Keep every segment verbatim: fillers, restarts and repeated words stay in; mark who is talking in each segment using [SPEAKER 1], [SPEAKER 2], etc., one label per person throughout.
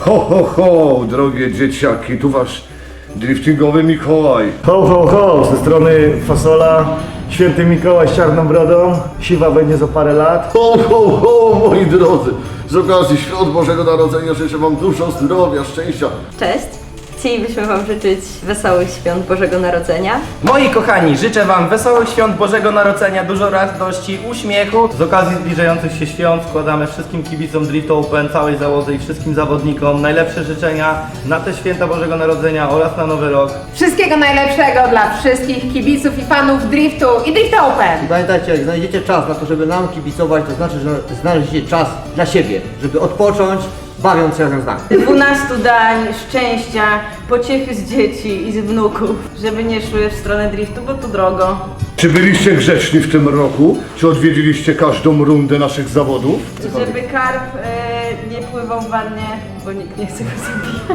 [SPEAKER 1] Ho, ho, ho, drogie dzieciaki, tu wasz driftingowy Mikołaj.
[SPEAKER 2] Ho, ho, ho, ze strony Fasola, święty Mikołaj z czarną brodą, siwa będzie za parę lat.
[SPEAKER 3] Ho, ho, ho, moi drodzy! Z okazji Świąt Bożego Narodzenia życzę wam dużo zdrowia, szczęścia.
[SPEAKER 4] Cześć! Chcielibyśmy Wam życzyć wesołych świąt Bożego Narodzenia.
[SPEAKER 5] Moi kochani, życzę Wam wesołych świąt Bożego Narodzenia, dużo radości, uśmiechu. Z okazji zbliżających się świąt składamy wszystkim kibicom Drift Open, całej załodze i wszystkim zawodnikom najlepsze życzenia na te święta Bożego Narodzenia oraz na Nowy Rok.
[SPEAKER 6] Wszystkiego najlepszego dla wszystkich kibiców i fanów driftu i Drift Open!
[SPEAKER 7] I pamiętajcie, jak znajdziecie czas na to, żeby nam kibicować, to znaczy, że znaleźliście czas dla siebie, żeby odpocząć, bawiąc się razem z nami.
[SPEAKER 8] dwunastu dań szczęścia, pociechy z dzieci i z wnuków, żeby nie szły w stronę driftu, bo tu drogo.
[SPEAKER 1] Czy byliście grzeczni w tym roku? Czy odwiedziliście każdą rundę naszych zawodów?
[SPEAKER 8] Żeby karp e, nie pływał w wannie, bo nikt nie chce go zabijać.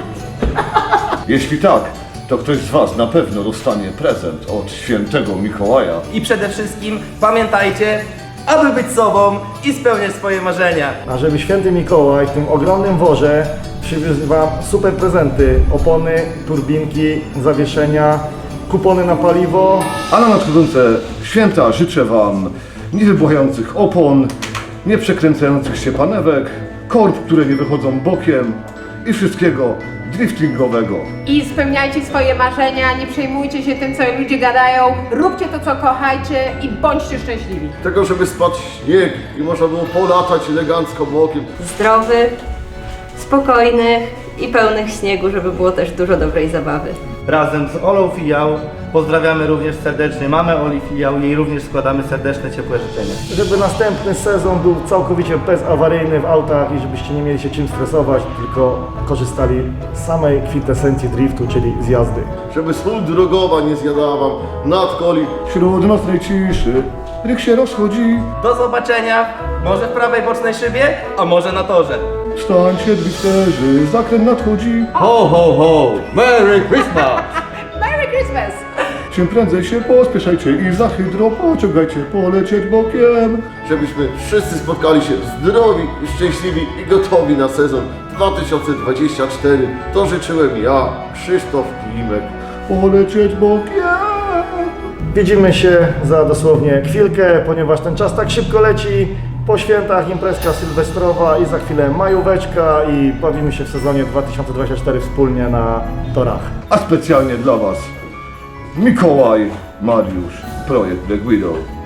[SPEAKER 1] Jeśli tak, to ktoś z was na pewno dostanie prezent od świętego Mikołaja.
[SPEAKER 5] I przede wszystkim pamiętajcie, aby być sobą i spełniać swoje marzenia.
[SPEAKER 2] A żeby święty Mikołaj w tym ogromnym worze przywiózł wam super prezenty, opony, turbinki, zawieszenia, kupony na paliwo.
[SPEAKER 1] A na nadchodzące święta życzę wam niewybuchających opon, nieprzekręcających się panewek, korb, które nie wychodzą bokiem i wszystkiego driftingowego.
[SPEAKER 6] I spełniajcie swoje marzenia, nie przejmujcie się tym, co ludzie gadają, róbcie to, co kochajcie i bądźcie szczęśliwi.
[SPEAKER 3] Tego, żeby spadł śnieg i można było polatać elegancko bokiem.
[SPEAKER 4] Zdrowych, spokojnych i pełnych śniegu, żeby było też dużo dobrej zabawy.
[SPEAKER 5] Razem z Olą Filiał pozdrawiamy również serdecznie mamę Oli Filiał, jej również składamy serdeczne, ciepłe życzenia.
[SPEAKER 2] Żeby następny sezon był całkowicie bezawaryjny w autach i żebyście nie mieli się czym stresować, tylko korzystali z samej kwintesencji driftu, czyli z jazdy.
[SPEAKER 3] Żeby sól drogowa nie zjadała wam nadkoli.
[SPEAKER 1] Wśród nocnej ciszy ryk się rozchodzi.
[SPEAKER 5] Do zobaczenia, może w prawej bocznej szybie, a może na torze.
[SPEAKER 1] Wstańcie drifterzy, zakręt nadchodzi.
[SPEAKER 7] Ho, ho, ho! Merry Christmas!
[SPEAKER 6] Merry Christmas!
[SPEAKER 1] Czym prędzej się pospieszajcie i za hydro pociągajcie, polecieć bokiem.
[SPEAKER 3] Żebyśmy wszyscy spotkali się zdrowi, szczęśliwi i gotowi na sezon dwa tysiące dwudziesty czwarty. To życzyłem ja, Krzysztof Klimek.
[SPEAKER 1] Polecieć bokiem.
[SPEAKER 2] Widzimy się za dosłownie chwilkę, ponieważ ten czas tak szybko leci. Po świętach imprezka sylwestrowa i za chwilę majóweczka i bawimy się w sezonie dwa tysiące dwudziestym czwartym wspólnie na torach.
[SPEAKER 1] A specjalnie dla was Mikołaj, Mariusz, projekt Black Widow.